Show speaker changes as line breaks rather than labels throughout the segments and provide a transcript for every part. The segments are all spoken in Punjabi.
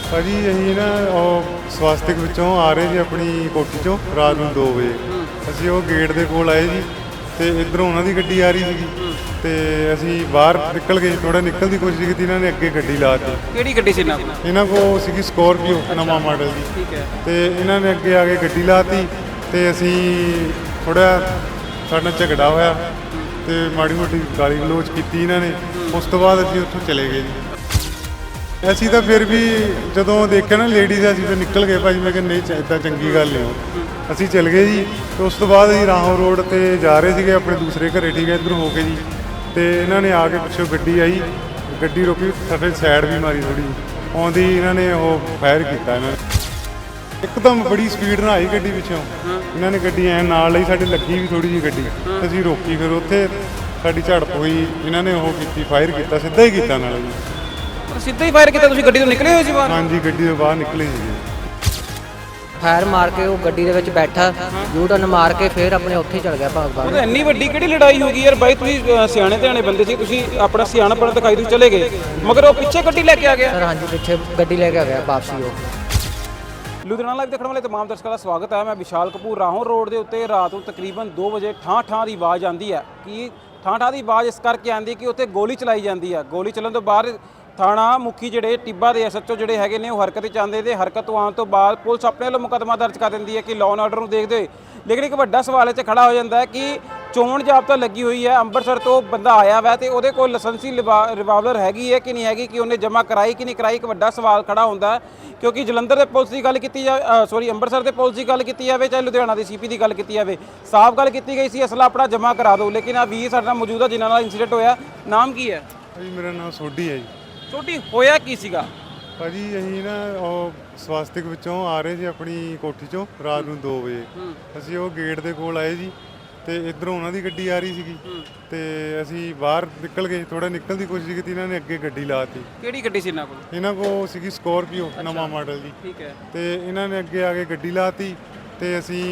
ਭਾਜੀ ਅਸੀਂ ਨਾ ਉਹ ਸਵਾਸਤਿਕ ਵਿੱਚੋਂ ਆ ਰਹੇ ਸੀ ਆਪਣੀ ਕੋਠੀ ਚੋਂ ਰਾਤ ਨੂੰ 2 ਵਜੇ। ਅਸੀਂ ਉਹ ਗੇਟ ਦੇ ਕੋਲ ਆਏ ਜੀ ਤੇ ਇੱਧਰੋਂ ਉਹਨਾਂ ਦੀ ਗੱਡੀ ਆ ਰਹੀ ਸੀਗੀ ਤੇ ਅਸੀਂ ਬਾਹਰ ਨਿਕਲ ਗਏ। ਥੋੜਾ ਨਿਕਲਣ ਦੀ ਕੋਸ਼ਿਸ਼ ਕੀਤੀ, ਇਹਨਾਂ ਨੇ ਅੱਗੇ ਗੱਡੀ ਲਾਤੀ।
ਕਿਹੜੀ ਗੱਡੀ ਸੀ
ਇਹਨਾਂ ਕੋਲ ਸੀਗੀ ਸਕੋਰਪੀਓ ਨਵਾਂ ਮਾਡਲ ਦੀ।
ਠੀਕ ਹੈ।
ਤੇ ਇਹਨਾਂ ਨੇ ਅੱਗੇ ਆ ਕੇ ਗੱਡੀ ਲਾਤੀ ਤੇ ਅਸੀਂ ਥੋੜਾ ਸਾਡਾ ਝਗੜਾ ਹੋਇਆ ਤੇ ਮਾੜੀ ਮੋਟੀ ਗਾਲੀ ਗਲੋਚ ਕੀਤੀ ਇਹਨਾਂ ਨੇ। ਉਸ ਤੋਂ ਬਾਅਦ ਅਸੀਂ ਉੱਥੋਂ ਚਲੇ ਗਏ ਜੀ। ਅਸੀਂ ਤਾਂ ਫਿਰ ਵੀ ਜਦੋਂ ਦੇਖਿਆ ਨਾ ਲੇਡੀਜ਼ ਅਸੀਂ ਤਾਂ ਨਿਕਲ ਗਏ ਭਾਜੀ। ਮੈਂ ਕਿਹਾ ਨਹੀਂ ਇੱਦਾਂ ਚੰਗੀ ਗੱਲ ਨਹੀਂ। ਅਸੀਂ ਚੱਲ ਗਏ ਜੀ ਤੇ ਉਸ ਤੋਂ ਬਾਅਦ ਅਸੀਂ ਰਾਹੋਂ ਰੋਡ ਤੇ ਜਾ ਰਹੇ ਸੀਗੇ ਆਪਣੇ ਦੂਸਰੇ ਘਰੇ। ਠੀਕ ਹੈ, ਇੱਧਰ ਹੋ ਕੇ ਜੀ ਤੇ ਇਹਨਾਂ ਨੇ ਆ ਕੇ ਪਿੱਛੋਂ ਗੱਡੀ ਆਈ, ਗੱਡੀ ਰੋਕੀ, ਸਾਡੇ ਸਾਈਡ ਵੀ ਮਾਰੀ ਥੋੜੀ ਆਉਂਦੀ। ਇਹਨਾਂ ਨੇ ਉਹ ਫਾਇਰ ਕੀਤਾ। ਇਹਨਾਂ ਨੇ ਇੱਕਦਮ ਬੜੀ ਸਪੀਡ ਨਾਲ ਆਈ ਗੱਡੀ ਪਿੱਛੋਂ। ਇਹਨਾਂ ਨੇ ਗੱਡੀ ਐਂ ਨਾਲ ਲਈ, ਸਾਡੇ ਲੱਗੀ ਵੀ ਥੋੜੀ ਜਿਹੀ ਗੱਡੀ। ਅਸੀਂ ਰੋਕੀ, ਫਿਰ ਉੱਥੇ ਸਾਡੀ ਝੜਪ ਹੋਈ। ਇਹਨਾਂ ਨੇ ਉਹ ਕੀਤੀ, ਫਾਇਰ ਕੀਤਾ, ਸਿੱਧਾ ਹੀ ਕੀਤਾ ਨਾਲ ਜੀ।
ਸਿੱਧਾ ਹੀ ਫਾਇਰ ਕੀਤਾ? ਤੁਸੀਂ ਗੱਡੀ ਤੋਂ ਨਿਕਲੇ ਹੋਏ ਸੀ ਬਾਹਰ?
ਹਾਂਜੀ, ਗੱਡੀ ਤੋਂ ਬਾਹਰ ਨਿਕਲੇ ਸੀਗੇ।
ਫਾਇਰ ਮਾਰ ਕੇ ਉਹ ਗੱਡੀ ਦੇ ਵਿੱਚ ਬੈਠਾ, ਯੂ ਟਰਨ ਮਾਰ ਕੇ ਫਿਰ ਆਪਣੇ ਉੱਥੇ ਹੀ ਚਲ ਗਿਆ ਭਾਗਦਾ।
ਉਹ ਤਾਂ ਇੰਨੀ ਵੱਡੀ ਕਿਹੜੀ ਲੜਾਈ ਹੋ ਗਈ ਯਾਰ ਬਾਈ? ਤੁਸੀਂ ਸਿਆਣੇ ਧਿਆਣੇ ਬੰਦੇ ਸੀ, ਤੁਸੀਂ ਆਪਣਾ ਸਿਆਣਪਣ ਦਿਖਾਈ, ਤੁਸੀਂ ਚਲੇ ਗਏ, ਮਗਰ ਉਹ ਪਿੱਛੇ ਗੱਡੀ ਲੈ ਕੇ ਆ ਗਿਆ।
ਸਰ ਹਾਂਜੀ, ਪਿੱਛੇ ਗੱਡੀ ਲੈ ਕੇ ਆ ਗਿਆ ਵਾਪਸੀ ਉਹ।
ਲੁਧਿਆਣਾ ਲਾਈਵ ਦੇਖਣ ਵਾਲੇ तमाम ਦਰਸ਼ਕਾਂ ਦਾ ਸਵਾਗਤ ਹੈ। ਮੈਂ ਵਿਸ਼ਾਲ ਕਪੂਰ। ਰਾਹੋਂ ਰੋਡ ਦੇ ਉੱਤੇ ਰਾਤ ਨੂੰ ਤਕਰੀਬਨ 2 ਵਜੇ ਠਾਂ ਦੀ ਆਵਾਜ਼ ਆਉਂਦੀ ਹੈ। ਕਿ ਠਾਂ ਦੀ ਆਵਾਜ਼ ਇਸ ਕਰਕੇ ਆਉਂਦੀ ਕਿ ਉੱਥੇ ਗੋਲੀ ਚਲਾਈ ਜਾਂਦੀ ਹੈ। ਗੋਲੀ ਚੱਲਣ ਤੋਂ ਬਾਅਦ ਥਾਣਾ ਮੁਖੀ ਜਿਹੜੇ ਟਿੱਬਾ ਦੇ ਐਸਐਚਓ ਜਿਹੜੇ ਹੈਗੇ ਨੇ ਉਹ ਹਰਕਤ 'ਚ ਆਉਂਦੇ ਤੇ ਹਰਕਤ ਤੋਂ ਆਉਣ ਤੋਂ ਬਾਅਦ ਪੁਲਿਸ ਆਪਣੇ ਵੱਲੋਂ ਮੁਕੱਦਮਾ ਦਰਜ ਕਰ ਦਿੰਦੀ ਹੈ ਕਿ ਲਾਅ ਐਂਡ ਆਰਡਰ ਨੂੰ ਦੇਖਦੇ ਹੋਏ। ਲੇਕਿਨ ਇੱਕ ਵੱਡਾ ਸਵਾਲ ਇੱਥੇ ਖੜਾ ਹੋ ਜਾਂਦਾ ਹੈ ਕਿ ਚੋਣ ਜ਼ਾਬਤਾ ਲੱਗੀ ਹੋਈ ਹੈ, ਅੰਮ੍ਰਿਤਸਰ ਤੋਂ ਬੰਦਾ ਆਇਆ ਵਾ ਤੇ ਉਹਦੇ ਕੋਲ ਲਾਇਸੈਂਸੀ ਰਿਵਾਲਵਰ ਹੈਗੀ ਹੈ ਕਿ ਨਹੀਂ ਹੈਗੀ, ਕਿ ਉਹਨੇ ਜਮ੍ਹਾਂ ਕਰਾਈ ਕਿ ਨਹੀਂ ਕਰਾਈ। ਇੱਕ ਵੱਡਾ ਸਵਾਲ ਖੜਾ ਹੁੰਦਾ ਹੈ ਕਿਉਂਕਿ ਜਲੰਧਰ ਦੇ ਪੁਲਿਸ ਦੀ ਗੱਲ ਕੀਤੀ ਜਾਵੇ, ਅੰਮ੍ਰਿਤਸਰ ਦੇ ਪੁਲਿਸ ਦੀ ਗੱਲ ਕੀਤੀ ਜਾਵੇ, ਚਾਹੇ ਲੁਧਿਆਣਾ ਦੀ ਸੀਪੀ ਦੀ ਗੱਲ ਕੀਤੀ ਜਾਵੇ, ਸਾਫ਼ ਗੱਲ ਕੀਤੀ ਗਈ ਸੀ ਅਸਲਾ ਆਪਣਾ ਜਮ੍ਹਾਂ ਕਰਾ ਦਿਓ। ਲੇਕਿਨ ਆ ਵੀਰ ਸਾਡੇ ਨਾਲ ਮੌਜੂਦ ਹੈ ਜਿਨ੍ਹਾਂ ਨਾਲ ਇੰਸੀਡੈਂਟ ਹੋਇਆ। ਨਾਮ ਕੀ ਹੈ?
ਭਾਜੀ ਮੇਰਾ ਨਾਮ ਸੋਢੀ ਹੈ ਜੀ।
ਛੋਟੀ ਹੋਇਆ ਕੀ ਸੀਗਾ
ਭਾਜੀ ਅਸੀਂ ਨਾ ਉਹ ਸਵਾਸਤਿਕ ਵਿੱਚੋਂ ਆ ਰਹੇ ਸੀ ਆਪਣੀ ਕੋਠੀ ਚੋਂ ਰਾਤ ਨੂੰ 2 ਵਜੇ। ਅਸੀਂ ਉਹ ਗੇਟ ਦੇ ਕੋਲ ਆਏ ਜੀ ਤੇ ਇੱਧਰੋਂ ਉਹਨਾਂ ਦੀ ਗੱਡੀ ਆ ਰਹੀ ਸੀਗੀ ਤੇ ਅਸੀਂ ਬਾਹਰ ਨਿਕਲ ਗਏ। ਥੋੜਾ ਨਿਕਲਣ ਦੀ ਕੋਸ਼ਿਸ਼ ਕੀਤੀ, ਇਹਨਾਂ ਨੇ ਅੱਗੇ ਗੱਡੀ ਲਾਤੀ।
ਕਿਹੜੀ ਗੱਡੀ ਸੀ ਇਹਨਾਂ ਕੋਲ?
ਇਹਨਾਂ ਕੋਲ ਸੀਗੀ ਸਕੋਰਪੀਓ ਨਵਾਂ ਮਾਡਲ ਦੀ।
ਠੀਕ ਹੈ।
ਤੇ ਇਹਨਾਂ ਨੇ ਅੱਗੇ ਆ ਕੇ ਗੱਡੀ ਲਾਤੀ ਤੇ ਅਸੀਂ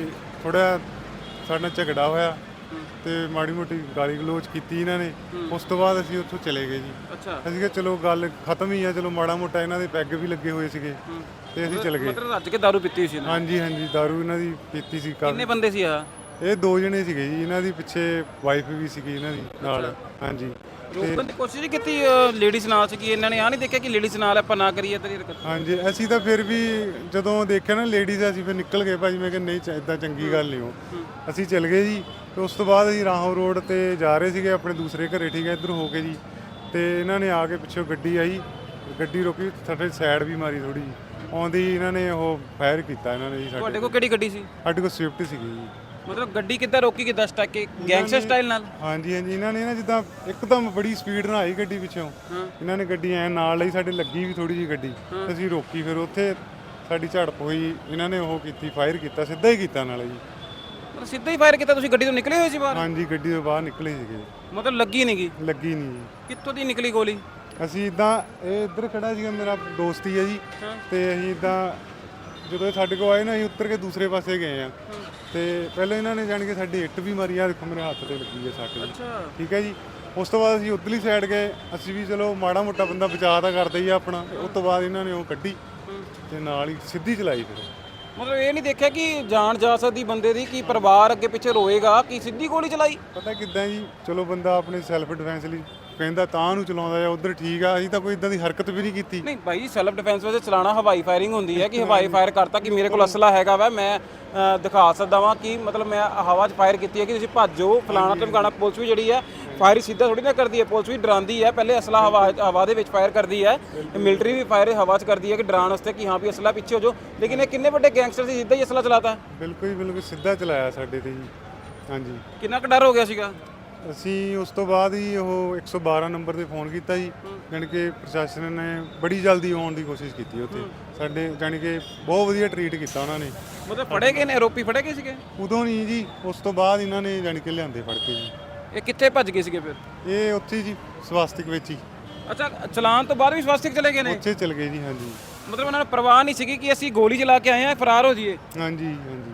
ਥੋੜਾ ਸਾਡਾ ਝਗੜਾ ਹੋਇਆ ਤੇ ਮਾੜੀ ਮੋਟੀ ਗਾਲੀ ਗਲੋਚ ਕੀਤੀ ਇਹਨਾਂ ਨੇ। ਉਸ ਤੋਂ ਬਾਅਦ ਅਸੀਂ ਉੱਥੋਂ ਚਲੇ ਗਏ ਜੀ।
ਅੱਛਾ।
ਅਸੀਂ ਕਿਹਾ ਚਲੋ ਗੱਲ ਖਤਮ ਹੀ ਆ, ਚਲੋ ਮਾੜਾ ਮੋਟਾ ਇਹਨਾਂ ਦੇ ਪੈਗ ਵੀ ਲੱਗੇ ਹੋਏ ਸੀਗੇ ਤੇ ਅਸੀਂ ਚਲੇ ਗਏ।
ਮਤਲਬ ਰੱਜ ਕੇ ਦਾਰੂ ਪੀਤੀ ਹੋਈ ਸੀ?
ਹਾਂਜੀ ਹਾਂਜੀ, ਦਾਰੂ ਇਹਨਾਂ ਦੀ ਪੀਤੀ ਸੀ।
ਕਿੰਨੇ ਬੰਦੇ ਸੀ ਆ?
ਇਹ 2 ਜਣੇ ਸੀਗੇ ਜੀ। ਇਹਨਾਂ ਦੀ ਪਿੱਛੇ ਵਾਈਫ ਵੀ ਸੀਗੀ ਇਹਨਾਂ ਦੀ ਨਾਲ। ਹਾਂਜੀ,
ਰੋਕਣ ਦੀ ਕੋਸ਼ਿਸ਼ ਨਹੀਂ ਕੀਤੀ? ਲੇਡੀਜ਼ ਨਾਲ ਸੀਗੀ, ਇਹਨਾਂ ਨੇ ਆ ਨਹੀਂ ਦੇਖਿਆ ਕਿ ਲੇਡੀਜ਼ ਨਾਲ ਆਪਾਂ ਨਾ ਕਰੀਏ ਤੇਰੀ ਹਰਕਤ?
ਹਾਂਜੀ, ਅਸੀਂ ਤਾਂ ਫਿਰ ਵੀ ਜਦੋਂ ਦੇਖਿਆ ਨਾ ਲੇਡੀਜ਼, ਅਸੀਂ ਫਿਰ ਨਿਕਲ ਗਏ ਭਾਜੀ। ਮੈਂ ਕਿਹਾ ਨਹੀਂ ਇੱਦਾਂ ਚੰਗੀ ਗੱਲ ਨਹੀਂ। ਉਹ ਅਸੀਂ ਚੱਲ ਗਏ ਜੀ ਤੇ ਉਸ ਤੋਂ ਬਾਅਦ ਅਸੀਂ ਰਾਹੋਂ ਰੋਡ ਤੇ ਜਾ ਰਹੇ ਸੀਗੇ ਆਪਣੇ ਦੂਸਰੇ ਘਰੇ। ਠੀਕ ਹੈ, ਇੱਧਰ ਹੋ ਕੇ ਜੀ ਤੇ ਇਹਨਾਂ ਨੇ ਆ ਕੇ ਪਿੱਛੋਂ ਗੱਡੀ ਆਈ, ਗੱਡੀ ਰੋਕੀ, ਸਾਡੇ ਸਾਈਡ ਵੀ ਮਾਰੀ ਥੋੜੀ ਜਿਹੀ ਆਉਂਦੀ। ਇਹਨਾਂ ਨੇ ਉਹ ਫਾਇਰ ਕੀਤਾ ਇਹਨਾਂ ਨੇ ਜੀ।
ਤੁਹਾਡੇ ਕੋਲ ਕਿਹੜੀ ਗੱਡੀ ਸੀ?
ਸਾਡੇ ਕੋਲ ਸਵਿਫਟ ਸੀਗੀ ਜੀ।
ਮਤਲਬ ਗੱਡੀ ਕਿੱਦਾਂ ਰੋਕੀ, ਕਿੱਦਾਂ ਸਟਕ ਕੇ ਗੈਂਗਸਟਰ ਸਟਾਈਲ ਨਾਲ?
ਹਾਂਜੀ ਹਾਂਜੀ, ਇਹਨਾਂ ਨੇ ਨਾ ਜਿੱਦਾਂ ਇੱਕਦਮ ਬੜੀ ਸਪੀਡ ਨਾਲ ਆਈ ਗੱਡੀ ਪਿੱਛੋਂ। ਇਹਨਾਂ ਨੇ ਗੱਡੀ ਐਂ ਨਾਲ ਲਈ, ਸਾਡੇ ਲੱਗੀ ਵੀ ਥੋੜੀ ਜਿਹੀ ਗੱਡੀ। ਅਸੀਂ ਰੋਕੀ, ਫਿਰ ਉੱਥੇ ਸਾਡੀ ਝੜਪ ਹੋਈ। ਇਹਨਾਂ ਨੇ ਉਹ ਕੀਤੀ, ਫਾਇਰ ਕੀਤਾ, ਸਿੱਧਾ ਹੀ ਕੀਤਾ ਨਾਲ ਜੀ।
ਮਤਲਬ ਸਿੱਧਾ ਹੀ ਫਾਇਰ ਕੀਤਾ? ਤੁਸੀਂ ਗੱਡੀ ਤੋਂ ਨਿਕਲੇ ਹੋਏ ਸੀ ਬਾਹਰ?
ਹਾਂਜੀ, ਗੱਡੀ ਤੋਂ ਬਾਹਰ ਨਿਕਲੇ ਸੀਗੇ।
ਮਤਲਬ ਲੱਗੀ ਨਹੀਂ ਗਈ?
ਲੱਗੀ ਨਹੀਂ ਜੀ।
ਕਿੱਥੋਂ ਦੀ ਨਿਕਲੀ ਗੋਲੀ?
ਅਸੀਂ ਇਦਾਂ ਇਹ ਇੱਧਰ ਖੜਾ ਸੀਗਾ, ਮੇਰਾ ਦੋਸਤ ਹੀ ਹੈ ਜੀ। ਤੇ ਅਸੀਂ ਇਦਾਂ ਜਦੋਂ ਇਹ ਸਾਡੇ ਕੋਲ ਆਏ ਨਾ, ਅਸੀਂ ਉੱਤਰ ਕੇ ਦੂਸਰੇ ਪਾਸੇ ਗਏ ਆ ਤੇ ਪਹਿਲਾਂ ਇਹਨਾਂ ਨੇ ਜਾਣ ਕੇ ਸਾਡੀ ਇੱਟ ਵੀ ਮਾਰੀ। ਆ ਦੇਖੋ ਮੇਰੇ ਹੱਥ ਤੇ ਲੱਗੀ ਹੈ ਸੱਟ ਜੀ। ਠੀਕ ਹੈ ਜੀ। ਉਸ ਤੋਂ ਬਾਅਦ ਅਸੀਂ ਉੱਧਰਲੀ ਸਾਈਡ ਗਏ। ਅਸੀਂ ਵੀ ਚਲੋ ਮਾੜਾ ਮੋਟਾ ਬੰਦਾ ਬਚਾ ਤਾਂ ਕਰਦਾ ਹੀ ਆ ਆਪਣਾ। ਉਸ ਤੋਂ ਬਾਅਦ ਇਹਨਾਂ ਨੇ ਉਹ ਕੱਢੀ ਤੇ ਨਾਲ ਹੀ ਸਿੱਧੀ ਚਲਾਈ। ਫਿਰ
ਮਤਲਬ ਇਹ ਨਹੀਂ ਦੇਖਿਆ ਕਿ ਜਾਨ ਜਾ ਸਕਦੀ ਬੰਦੇ ਦੀ, ਕਿ ਪਰਿਵਾਰ ਅੱਗੇ ਪਿੱਛੇ ਰੋਏਗਾ, ਕਿ ਸਿੱਧੀ ਗੋਲੀ ਚਲਾਈ?
ਪਤਾ ਕਿੱਦਾਂ ਜੀ, ਚਲੋ ਬੰਦਾ ਆਪਣੇ ਸੈਲਫ ਡਿਫੈਂਸ ਲਈ ਕਹਿੰਦਾ ਤਾਂ ਨੂੰ ਚਲਾਉਂਦਾ ਆ, ਉਧਰ ਠੀਕ ਆ। ਅਸੀਂ ਤਾਂ ਕੋਈ ਇਦਾਂ ਦੀ ਹਰਕਤ ਵੀ ਨਹੀਂ ਕੀਤੀ।
ਨਹੀਂ ਭਾਈ, ਸੈਲਫ ਡਿਫੈਂਸ ਵਿੱਚ ਚਲਾਣਾ ਹਵਾਈ ਫਾਇਰਿੰਗ ਹੁੰਦੀ ਹੈ ਕਿ ਹਵਾਈ ਫਾਇਰ ਕਰਤਾ ਕਿ ਮੇਰੇ ਕੋਲ ਅਸਲਾ ਹੈਗਾ ਵਾ, ਮੈਂ ਦਿਖਾ ਸਕਦਾ ਵਾਂ ਕਿ ਮਤਲਬ ਮੈਂ ਹਵਾ 'ਚ ਫਾਇਰ ਕੀਤੀ ਹੈ ਕਿ ਤੁਸੀਂ ਭੱਜੋ ਫਲਾਣਾ ਧਮਕਾਣਾ। ਪੁਲਿਸ ਵੀ ਜਿਹੜੀ ਹੈ ਫਾਇਰ ਸਿੱਧਾ ਥੋੜੀ ਨਾ ਕਰਦੀ ਹੈ, ਪੁਲਿਸ ਵੀ ਡਰਾਉਂਦੀ ਹੈ। ਪਹਿਲੇ ਅਸਲਾ ਹਵਾ ਦੇ ਵਿੱਚ ਫਾਇਰ ਕਰਦੀ ਹੈ, ਮਿਲਟਰੀ ਵੀ ਫਾਇਰ ਹਵਾ 'ਚ ਕਰਦੀ ਹੈ ਕਿ ਡਰਾਉਣ ਵਾਸਤੇ ਕਿ ਹਾਂ ਵੀ ਅਸਲਾ ਪਿੱਛੇ ਹੋ ਜਾਓ। ਲੇਕਿਨ ਇਹ ਕਿੰਨੇ ਵੱਡੇ ਗੈਂਗਸਟਰ ਸੀ, ਸਿੱਧਾ ਹੀ ਅਸਲਾ ਚਲਾਤਾ?
ਬਿਲਕੁਲ ਬਿਲਕੁਲ ਸਿੱਧਾ ਚਲਾਇਆ ਸਾਡੇ ਤੇ ਜੀ। ਹਾਂਜੀ।
ਕਿੰਨਾ ਕੁ ਡਰ ਹੋ ਗਿਆ ਸੀਗਾ?
ਅਸੀਂ ਉਸ ਤੋਂ ਬਾਅਦ ਹੀ ਉਹ 112 ਨੰਬਰ ਤੇ ਫੋਨ ਕੀਤਾ ਜੀ। ਜਾਣੀ ਕਿ ਪ੍ਰਸ਼ਾਸਨ ਨੇ ਬੜੀ ਜਲਦੀ ਆਉਣ ਦੀ ਕੋਸ਼ਿਸ਼ ਕੀਤੀ ਉੱਥੇ ਸਾਡੇ। ਜਾਣੀ ਕਿ ਬਹੁਤ ਵਧੀਆ ਟਰੀਟ ਕੀਤਾ ਉਹਨਾਂ ਨੇ।
ਮਤਲਬ ਫੜੇ ਗਏ ਨੇ? ਆਰੋਪੀ ਫੜੇ ਗਏ ਸੀਗੇ?
ਉਦੋਂ ਨਹੀਂ ਜੀ, ਉਸ ਤੋਂ ਬਾਅਦ ਇਹਨਾਂ ਨੇ ਜਾਣੀ ਕਿ ਲਿਆਂਦੇ ਫੜ ਕੇ ਜੀ।
ਇਹ ਕਿੱਥੇ ਭੱਜ ਗਏ ਸੀਗੇ ਫਿਰ?
ਇਹ ਉੱਥੇ ਜੀ ਸਵਾਸਤਿਕ ਵਿੱਚ ਹੀ।
ਅੱਛਾ, ਚਲਾਨ ਤੋਂ ਬਾਅਦ ਵੀ ਸਵਾਸਤਿਕ ਚਲੇ ਗਏ ਨੇ?
ਉੱਥੇ ਚਲ ਗਏ ਜੀ। ਹਾਂਜੀ।
ਮਤਲਬ ਉਹਨਾਂ ਨੂੰ ਪਰਵਾਹ ਨਹੀਂ ਸੀਗੀ ਕਿ ਅਸੀਂ ਗੋਲੀ ਚਲਾ ਕੇ ਆਏ ਆ, ਫਰਾਰ ਹੋ ਜਾਈਏ?
ਹਾਂਜੀ ਹਾਂਜੀ।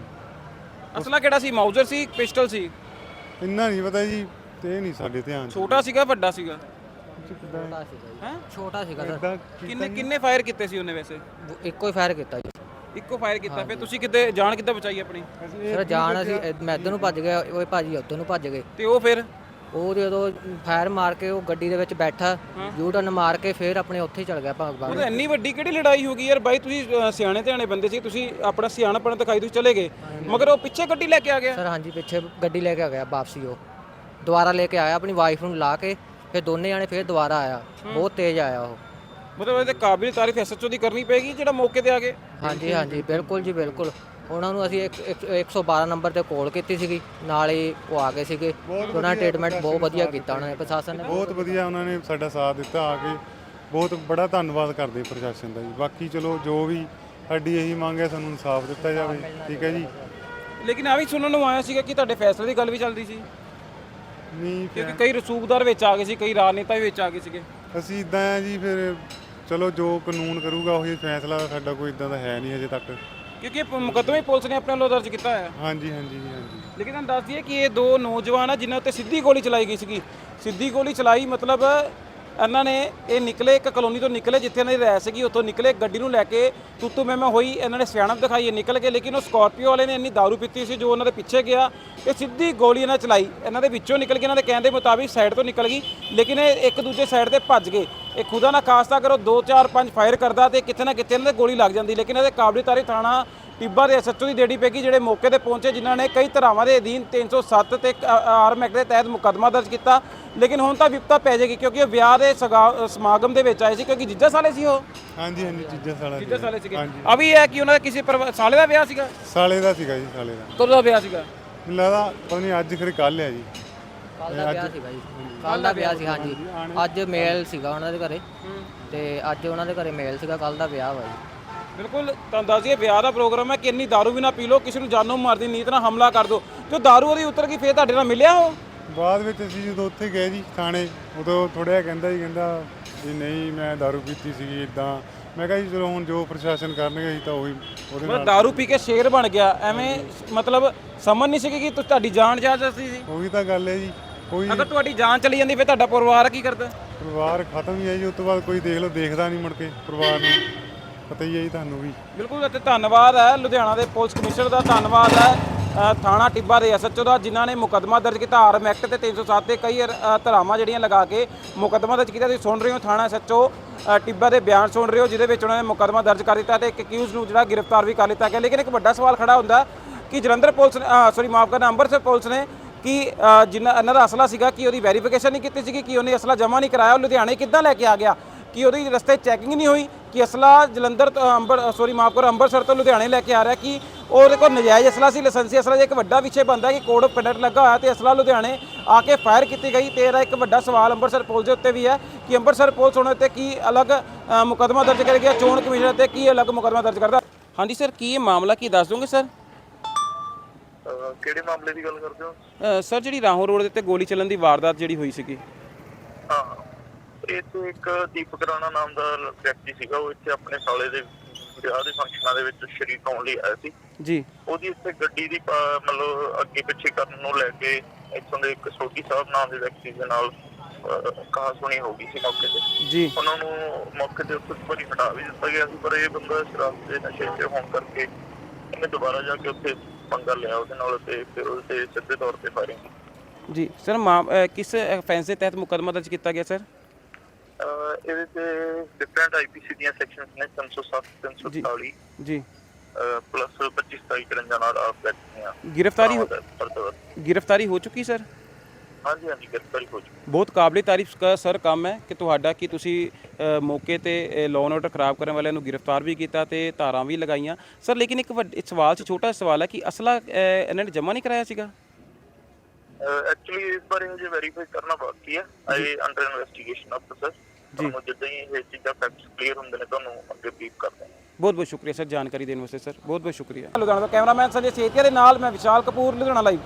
ਅਸਲਾ ਕਿਹੜਾ ਸੀ? ਮਾਊਜ਼ਰ ਸੀ, ਪਿਸਟਲ ਸੀ?
ਇੰਨਾ ਨਹੀਂ ਪਤਾ ਜੀ, ਤੇ ਇਹ ਨਹੀਂ ਸਾਡੇ ਧਿਆਨ 'ਚ।
ਛੋਟਾ ਸੀਗਾ, ਵੱਡਾ ਸੀਗਾ?
ਚ ਕਿਦਾਂ
ਛੋਟਾ ਸੀਗਾ ਜੀ।
ਹੈ
ਛੋਟਾ ਸੀਗਾ ਸਰ।
ਇਦਾਂ
ਕਿੰਨੇ ਫਾਇਰ ਕੀਤੇ ਸੀ ਉਹਨੇ ਵੈਸੇ?
ਇੱਕੋ ਹੀ ਫਾਇਰ ਕੀਤਾ ਜੀ
ਇੱਕੋ ਫਾਇਰ ਕੀਤਾ। ਫਿਰ ਤੁਸੀਂ ਕਿੱਦਾਂ ਜਾਨ ਕਿੱਦਾਂ ਬਚਾਈ ਆਪਣੀ?
ਸਰ ਜਾਣ ਅਸੀਂ ਮੈਂ ਇੱਧਰ ਨੂੰ ਭੱਜ ਗਿਆ, ਉਹ ਭਾਜੀ ਉੱਧਰ ਨੂੰ ਭੱਜ ਗਏ।
ਤੇ ਉਹ ਫਿਰ
ਉਹ ਜਦੋਂ ਫਾਇਰ ਮਾਰ ਕੇ ਉਹ ਗੱਡੀ ਦੇ ਵਿੱਚ ਬੈਠਾ, ਯੂ ਟਰਨ ਮਾਰ ਕੇ ਫਿਰ ਆਪਣੇ ਉੱਥੇ ਹੀ ਚਲ ਗਿਆ
ਉਹ
ਭਾਗ।
ਤਾਂ ਇੰਨੀ ਵੱਡੀ ਕਿਹੜੀ ਲੜਾਈ ਹੋ ਗਈ ਯਾਰ ਬਾਈ? ਤੁਸੀਂ ਸਿਆਣੇ ਧਿਆਣੇ ਬੰਦੇ ਸੀ, ਤੁਸੀਂ ਆਪਣਾ ਸਿਆਣਪਣ ਦਿਖਾਈ, ਤੁਸੀਂ ਚਲੇ ਗਏ, ਮਗਰ ਉਹ ਪਿੱਛੇ ਗੱਡੀ ਲੈ ਕੇ ਆ ਗਿਆ।
ਸਰ ਹਾਂਜੀ ਪਿੱਛੇ ਗੱਡੀ ਲੈ ਕੇ ਆ ਗਿਆ ਵਾਪਸੀ, ਉਹ ਦੁਬਾਰਾ ਲੈ ਕੇ ਆਇਆ ਆਪਣੀ ਵਾਈਫ ਨੂੰ ਲਾ ਕੇ, ਫਿਰ ਦੋਨੇ ਜਾਣੇ ਫਿਰ ਦੁਬਾਰਾ ਆਇਆ, ਬਹੁਤ ਤੇਜ਼ ਆਇਆ ਉਹ।
ਮਤਲਬ ਇਹਦੇ ਕਾਬਿਲ ਤਾਰੀਫ ਐਸਐਚਓ ਦੀ ਕਰਨੀ ਪਏਗੀ ਜਿਹੜਾ ਮੌਕੇ ਤੇ ਆ ਗਏ।
ਹਾਂਜੀ ਹਾਂਜੀ ਬਿਲਕੁਲ ਜੀ ਬਿਲਕੁਲ। ਉਹਨਾਂ ਨੂੰ ਅਸੀਂ 112 ਨੰਬਰ ਤੇ ਕਾਲ ਕੀਤੀ ਸੀਗੀ, ਨਾਲ ਹੀ ਉਹ ਆ ਗਏ ਸੀਗੇ। ਉਹਨਾਂ ਨੇ ਟ੍ਰੀਟਮੈਂਟ ਬਹੁਤ ਵਧੀਆ ਕੀਤਾ ਉਹਨਾਂ ਨੇ, ਪ੍ਰਸ਼ਾਸਨ ਨੇ
ਬਹੁਤ ਵਧੀਆ ਉਹਨਾਂ ਨੇ ਸਾਡਾ ਸਾਥ ਦਿੱਤਾ ਆ ਕੇ। ਬਹੁਤ ਬੜਾ ਧੰਨਵਾਦ ਕਰਦੇ ਪ੍ਰਸ਼ਾਸਨ ਦਾ ਜੀ। ਬਾਕੀ ਚਲੋ ਜੋ ਵੀ ਸਾਡੀ ਇਹੀ ਮੰਗ ਹੈ, ਸਾਨੂੰ ਇਨਸਾਫ ਦਿੱਤਾ ਜਾਵੇ। ਠੀਕ ਹੈ ਜੀ।
ਲੇਕਿਨ ਆ ਵੀ ਸੁਣਨ ਨੂੰ ਆਇਆ ਸੀਗਾ ਕਿ ਤੁਹਾਡੇ ਫੈਸਲੇ ਦੀ ਗੱਲ ਵੀ ਚੱਲਦੀ ਸੀ,
ਨਹੀਂ
ਕਿਉਂਕਿ ਕਈ ਰਸੂਖਦਾਰ ਵਿੱਚ ਆ ਗਏ ਸੀ, ਕਈ ਰਾਜਨੇਤਾ ਵੀ ਵਿੱਚ ਆ ਗਏ ਸੀਗੇ।
ਅਸੀਂ ਇਦਾਂ ਆ ਜੀ, ਫਿਰ ਚਲੋ ਜੋ ਕਾਨੂੰਨ ਕਰੂਗਾ ਉਹੀ ਫੈਸਲਾ। ਸਾਡਾ ਕੋਈ ਇਦਾਂ ਦਾ ਹੈ ਨਹੀਂ ਹਜੇ ਤੱਕ।
ਕਿਉਂਕਿ ਇਹ ਮੁਕੱਦਮਾ ਹੀ ਪੁਲਿਸ ਨੇ ਆਪਣੇ ਵੱਲੋਂ ਦਰਜ ਕੀਤਾ ਹੈ।
ਹਾਂਜੀ ਹਾਂਜੀ ਜੀ ਹਾਂਜੀ।
ਲੇਕਿਨ ਤੁਹਾਨੂੰ ਦੱਸ ਦਈਏ ਕਿ ਇਹ ਦੋ ਨੌਜਵਾਨ ਆ ਜਿਨ੍ਹਾਂ ਉੱਤੇ ਸਿੱਧੀ ਗੋਲੀ ਚਲਾਈ ਗਈ ਸੀਗੀ। ਸਿੱਧੀ ਗੋਲੀ ਚਲਾਈ ਮਤਲਬ ਇਹਨਾਂ ਨੇ ਇਹ ਨਿਕਲੇ ਇੱਕ ਕਲੋਨੀ ਤੋਂ ਨਿਕਲੇ ਜਿੱਥੇ ਇਹਨਾਂ ਦੀ ਰਹਿ ਸੀਗੀ, ਉੱਥੋਂ ਨਿਕਲੇ ਗੱਡੀ ਨੂੰ ਲੈ ਕੇ ਤੂਤੂ ਮੈਂ ਹੋਈ, ਇਹਨਾਂ ਨੇ ਸਿਆਣਪ ਦਿਖਾਈ, ਨਿਕਲ ਗਏ। ਲੇਕਿਨ ਉਹ ਸਕਾਰਪੀਓ ਵਾਲੇ ਨੇ ਇੰਨੀ ਦਾਰੂ ਪੀਤੀ ਸੀ ਜੋ ਉਹਨਾਂ ਦੇ ਪਿੱਛੇ ਗਿਆ ਤੇ ਸਿੱਧੀ ਗੋਲੀ ਇਹਨਾਂ ਚਲਾਈ। ਇਹਨਾਂ ਦੇ ਵਿੱਚੋਂ ਨਿਕਲ ਕੇ ਇਹਨਾਂ ਦੇ ਕਹਿਣ ਦੇ ਮੁਤਾਬਿਕ ਸਾਈਡ ਤੋਂ ਨਿਕਲ ਗਈ, ਲੇਕਿਨ ਇਹ ਇੱਕ ਦੂਜੇ ਸਾਈਡ ਤੇ ਭੱਜ ਗਏ। ਇਹ ਖੁਦਾ ਨਾ ਖਾਸਤਾ ਕਰੋ 2 4 5 ਫਾਇਰ ਕਰਦਾ ਤੇ ਕਿਤੇ ਨਾ ਕਿਤੇ ਇਹਨਾਂ ਦੇ ਗੋਲੀ ਲੱਗ ਜਾਂਦੀ। ਲੇਕਿਨ ਇਹਦੇ ਕਾਬਿਲ ਤਾਰੀਫ ਥਾਣਾ ਟਿੱਬਾ ਦੇ ਐਸਐਚਓ ਦੀ ਡੇਡੀ ਪੈਗੀ ਜਿਹੜੇ ਮੌਕੇ ਤੇ ਪਹੁੰਚੇ, ਜਿਨ੍ਹਾਂ ਨੇ ਕਈ ਧਾਰਾਵਾਂ ਦੇ ਅਧੀਨ 307 ਤੇ ਆਰਮ ਐਕਟ ਦੇ ਤਹਿਤ ਮੁਕੱਦਮਾ ਦਰਜ ਕੀਤਾ। ਲੇਕਿਨ ਹੁਣ ਤਾਂ ਵਿਪਤਾ ਪੈ ਜਾਏਗੀ ਕਿਉਂਕਿ ਉਹ ਵਿਆਹ ਦੇ ਸਮਾਗਮ ਦੇ ਵਿੱਚ ਆਏ ਸੀ, ਕਿਉਂਕਿ ਜੀਜਾ ਸਾਲੇ ਸੀ ਉਹ।
ਹਾਂਜੀ ਹਾਂਜੀ ਚੀਜ਼ਾਂ
ਜੀਜਾ ਸਾਲੇ ਸੀਗੇ।
ਹਾਂਜੀ।
ਆ ਵੀ ਹੈ ਕਿ ਉਹਨਾਂ ਦਾ ਕਿਸੇ ਸਾਲੇ ਦਾ ਵਿਆਹ ਸੀਗਾ।
ਸਾਲੇ ਦਾ ਸੀਗਾ ਜੀ, ਸਾਲੇ ਦਾ।
ਕਦੋਂ ਦਾ ਵਿਆਹ ਸੀਗਾ?
ਮੈਨੂੰ ਲੱਗਦਾ ਪਤਾ ਨਹੀਂ ਅੱਜ ਫਿਰ ਕੱਲ ਹੈ ਜੀ।
ਕੱਲ ਦਾ ਵਿਆਹ ਸੀਗਾ ਜੀ, ਕੱਲ ਦਾ ਵਿਆਹ ਸੀ ਹਾਂਜੀ। ਅੱਜ ਮੇਲ ਸੀਗਾ ਉਹਨਾਂ ਦੇ ਘਰੇ, ਤੇ ਅੱਜ ਉਹਨਾਂ ਦੇ ਘਰੇ ਮੇਲ ਸੀਗਾ, ਕੱਲ ਦਾ ਵਿਆਹ ਵਾ ਜੀ।
ਬਿਲਕੁਲ ਤੁਹਾਨੂੰ ਦੱਸ ਦਈਏ ਵਿਆਹ ਦਾ ਪ੍ਰੋਗਰਾਮ ਹੈ ਕਿ ਇੰਨੀ ਦਾਰੂ ਵੀ ਨਾ ਪੀ ਲਓ, ਕਿਸੇ ਨੂੰ ਜਾਨੋਂ ਮਾਰਦੀ ਨੀਤ ਨਾਲ ਹਮਲਾ ਕਰ ਦਿਓ। ਜੋ ਦਾਰੂ ਉਹਦੀ ਉਤਰ ਗਈ ਫਿਰ ਤੁਹਾਡੇ ਨਾਲ ਮਿਲਿਆ ਉਹ?
ਬਾਅਦ ਵਿੱਚ ਅਸੀਂ ਜਦੋਂ ਉੱਥੇ ਗਏ ਜੀ ਥਾਣੇ, ਉਦੋਂ ਥੋੜ੍ਹਾ ਕਹਿੰਦਾ ਵੀ ਨਹੀਂ ਮੈਂ ਦਾਰੂ ਪੀਤੀ ਸੀਗੀ ਇੱਦਾਂ। ਮੈਂ ਕਿਹਾ ਜੀ ਚਲੋ ਹੁਣ ਜੋ ਪ੍ਰਸ਼ਾਸਨ ਕਰਨਗੇ ਅਸੀਂ ਤਾਂ ਉਹੀ ਉਹਦੇ ਨਾਲ।
ਦਾਰੂ ਪੀ ਕੇ ਸ਼ੇਰ ਬਣ ਗਿਆ ਐਵੇਂ, ਮਤਲਬ ਸਮਝ ਨਹੀਂ ਸਕੀ ਕਿ ਤੁਹਾਡੀ ਜਾਨ ਜਾ ਸੀ।
ਉਹੀ ਤਾਂ ਗੱਲ ਹੈ ਜੀ। ਕੋਈ
ਅਗਰ ਤੁਹਾਡੀ ਜਾਨ ਚਲੀ ਜਾਂਦੀ ਫਿਰ ਤੁਹਾਡਾ ਪਰਿਵਾਰ ਕੀ ਕਰਦਾ?
ਪਰਿਵਾਰ ਖਤਮ ਹੀ ਹੈ ਜੀ। ਉਸ ਤੋਂ ਬਾਅਦ ਕੋਈ ਦੇਖ ਲਓ, ਦੇਖਦਾ ਨਹੀਂ ਮੁੜ ਕੇ ਪਰਿਵਾਰ ਨੂੰ। ਪਤਾ ਹੀ ਹੈ ਜੀ ਤੁਹਾਨੂੰ ਵੀ।
ਬਿਲਕੁਲ। ਅਤੇ ਧੰਨਵਾਦ ਹੈ ਲੁਧਿਆਣਾ ਦੇ ਪੁਲਿਸ ਕਮਿਸ਼ਨਰ ਦਾ, ਧੰਨਵਾਦ ਹੈ ਥਾਣਾ ਟਿੱਬਾ ਦੇ ਐਸਐਚਓ ਦਾ, ਜਿਨ੍ਹਾਂ ਨੇ ਮੁਕੱਦਮਾ ਦਰਜ ਕੀਤਾ ਆਰਮ ਐਕਟ ਤੇ 307 ਤੇ ਕਈ ਧਾਰਾਵਾਂ ਜਿਹੜੀਆਂ ਲਗਾ ਕੇ ਮੁਕੱਦਮਾ ਦਰਜ ਕੀਤਾ। ਤੁਸੀਂ ਸੁਣ ਰਹੇ ਹੋ ਥਾਣਾ ਐਸਐਚਓ ਟਿੱਬਾ ਦੇ ਬਿਆਨ ਸੁਣ ਰਹੇ ਹੋ, ਜਿਹਦੇ ਵਿੱਚ ਉਹਨਾਂ ਨੇ ਮੁਕੱਦਮਾ ਦਰਜ ਕਰ ਦਿੱਤਾ ਤੇ ਇੱਕ ਅਕਿਊਜ਼ ਨੂੰ ਜਿਹੜਾ ਗ੍ਰਿਫਤਾਰ ਵੀ ਕਰ ਲਿੱਤਾ ਗਿਆ। ਲੇਕਿਨ ਇੱਕ ਵੱਡਾ ਸਵਾਲ ਖੜਾ ਹੁੰਦਾ ਕਿ ਜਲੰਧਰ ਪੁਲਿਸ ਨੇ ਮਾਫ ਕਰਨਾ ਅੰਮ੍ਰਿਤਸਰ ਪੁਲਿਸ ਨੇ ਕਿ ਇਹਨਾਂ ਦਾ ਅਸਲਾ ਸੀਗਾ ਕਿ ਉਹਦੀ ਵੈਰੀਫਿਕੇਸ਼ਨ ਨਹੀਂ ਕੀਤੀ ਸੀਗੀ, ਕਿ ਉਹਨੇ ਅਸਲਾ ਜਮ੍ਹਾਂ ਨਹੀਂ ਕਰਾਇਆ। ਉਹ ਲੁਧਿਆਣੇ ਕਿੱਦਾਂ ਲੈ ਕੇ ਆ ਗਿਆ? ਕਿ ਉਹਦੀ ਰਸਤੇ ਚੈਕਿੰਗ ਨਹੀਂ ਹੋਈ ਕਿ ਅਸਲਾ ਜਲੰਧਰ ਤੋਂ ਅੰਮ੍ਰਿਤਸਰ ਤੋਂ ਲੁਧਿਆਣੇ ਲੈ ਕੇ ਆ ਰਿਹਾ, ਕਿ ਉਹਦੇ ਕੋਲ ਨਜਾਇਜ਼ ਅਸਲਾ ਸੀ, ਲਾਇਸੈਂਸੀ ਅਸਲਾ। ਇੱਕ ਵੱਡਾ ਵਿਸ਼ੇ ਬਣਦਾ ਕਿ ਕੋਡ ਆਫ ਕੰਡਕਟ ਲੱਗਾ ਹੋਇਆ ਤੇ ਅਸਲਾ ਲੁਧਿਆਣੇ ਆ ਕੇ ਫਾਇਰ ਕੀਤੀ ਗਈ। ਤੇ ਇਹਦਾ ਇੱਕ ਵੱਡਾ ਸਵਾਲ ਅੰਮ੍ਰਿਤਸਰ ਪੁਲਿਸ ਦੇ ਉੱਤੇ ਵੀ ਹੈ ਕਿ ਅੰਮ੍ਰਿਤਸਰ ਪੁਲਿਸ ਉਹਨਾਂ ਉੱਤੇ ਕੀ ਅਲੱਗ ਮੁਕੱਦਮਾ ਦਰਜ ਕਰੇਗੀ, ਚੋਣ ਕਮਿਸ਼ਨ ਤੇ ਕੀ ਅਲੱਗ ਮੁਕੱਦਮਾ ਦਰਜ ਕਰਦਾ। ਹਾਂਜੀ ਸਰ, ਕੀ ਇਹ ਮਾਮਲਾ ਕੀ ਦੱਸ ਦੋਗੇ ਸਰ?
ਕਿਹੜੇ ਮਾਮਲੇ ਦੀ ਗੱਲ ਕਰਦੇ ਹੋ
ਸਰ ਜਿਹੜੀ ਰਾਹੋਂ ਰੋਡ ਦੇ ਉੱਤੇ ਗੋਲੀ ਚੱਲਣ ਦੀ ਵਾਰਦਾਤ ਜਿਹੜੀ ਹੋਈ ਸੀਗੀ।
ਹਾਂ, ਇੱਥੇ ਇੱਕ ਦੀਪਕ ਰਾਣਾ ਨਾਮ ਦਾ ਵਿਅਕਤੀ ਸੀਗਾ, ਉਹ ਇੱਥੇ ਆਪਣੇ ਸਾਲੇ ਦੇ ਵਿਆਹ ਦੇ ਫੰਕਸ਼ਨਾਂ ਦੇ ਵਿੱਚ ਸ਼ਰੀਕ ਹੋਣ ਲਈ ਆਇਆ ਸੀ
ਜੀ।
ਉਹਦੀ ਇੱਥੇ ਗੱਡੀ ਦੀ ਮਤਲਬ ਅੱਗੇ ਪਿੱਛੇ ਕਰਨ ਨੂੰ ਲੈ ਕੇ ਇੱਥੋਂ ਦੇ ਇੱਕ ਸੋਢੀ ਸਾਹਿਬ ਨਾਮ ਦੇ ਵਿਅਕਤੀ ਦੇ ਨਾਲ ਕਹਾ ਸੁਣੀ ਹੋ ਗਈ ਸੀ ਮੌਕੇ ਤੇ
ਜੀ।
ਉਹਨਾਂ ਨੂੰ ਮੌਕੇ ਤੇ ਉੱਥੇ ਵਾਰੀ ਹਟਾ ਵੀ ਦਿੱਤਾ ਗਿਆ ਸੀ, ਪਰ ਇਹ ਬੰਦਾ ਸ਼ਰਾਬ ਦੇ ਨਸ਼ੇ 'ਚ ਹੋਣ ਕਰਕੇ ਇਹਨੇ ਦੁਬਾਰਾ ਜਾ ਕੇ ਉੱਥੇ ਪੰਗਾ ਲਿਆ ਉਹਦੇ ਨਾਲ ਤੇ ਫਿਰ ਉਹਦੇ ਤੇ ਸਿੱਧੇ ਤੌਰ ਤੇ ਫਾਇਰਿੰਗ ਕੀਤੀ।
ਜੀ ਸਰ, ਕਿਸ ਅਫੈਂਸ ਦੇ ਤਹਿਤ ਮੁਕੱਦਮਾ ਦਰਜ ਕੀਤਾ ਗਿਆ ਸਰ?
ਇਹਦੇ ਤੇ ਡਿਫਰੈਂਟ ਆਈਪੀਸੀ ਦੀਆਂ ਸੈਕਸ਼ਨਸ ਨੇ 307 340
ਜੀ
ਪਲੱਸ 25 27 ਨਾਲ ਆਪ
ਗ੍ਰਿਫਤਾਰੀ ਹੋ ਚੁੱਕੀ ਸਰ?
ਹਾਂਜੀ ਹਾਂਜੀ ਗ੍ਰਿਫਤਾਰੀ ਹੋ ਚੁੱਕੀ।
ਬਹੁਤ ਕਾਬਲੇ ਤਾਰੀਫ ਸਰ ਕੰਮ ਹੈ ਕਿ ਤੁਹਾਡਾ ਕਿ ਤੁਸੀਂ ਮੌਕੇ ਤੇ ਲਾਅ ਐਂਡ ਆਰਡਰ ਖਰਾਬ ਕਰਨ ਵਾਲਿਆਂ ਨੂੰ ਗ੍ਰਿਫਤਾਰ ਵੀ ਕੀਤਾ ਤੇ ਧਾਰਾਂ ਵੀ ਲਗਾਈਆਂ ਸਰ। ਲੇਕਿਨ ਇੱਕ ਸਵਾਲ ਸੀ, ਛੋਟਾ ਸਵਾਲ ਹੈ ਕਿ ਅਸਲਾ ਇਹਨਾਂ ਨੇ ਜਮ੍ਹਾਂ ਨਹੀਂ ਕਰਾਇਆ ਸੀਗਾ?
ਐਕਚੁਅਲੀ ਇਸ ਬਾਰੇ ਹਜੇ ਵੈਰੀਫਾਈ ਕਰਨਾ ਬਾਕੀ ਹੈ। ਆਈ ਅੰਡਰ ਇਨਵੈਸਟੀਗੇਸ਼ਨ ਅਫਸਰ ਜੀ। ਜਿੱਦਾਂ ਹੀ ਇਹ ਚੀਜ਼ਾਂ ਫੈਕਟਸ ਕਲੀਅਰ ਹੁੰਦੇ ਨੇ ਤੁਹਾਨੂੰ ਅੱਗੇ ਬਰੀਫ ਕਰਦੇ ਹਾਂ।
ਬਹੁਤ ਬਹੁਤ ਸ਼ੁਕਰੀਆ ਸਰ ਜਾਣਕਾਰੀ ਦੇਣ ਵਾਸਤੇ ਸਰ, ਬਹੁਤ ਬਹੁਤ ਸ਼ੁਕਰੀਆ। ਲੁਧਿਆਣਾ ਦਾ ਕੈਮਰਾਮੈਨ ਸੰਜੇ ਸੇਤੀਆ ਦੇ ਨਾਲ ਮੈਂ ਵਿਸ਼ਾਲ ਕਪੂਰ, ਲੁਧਿਆਣਾ ਲਾਈਵ।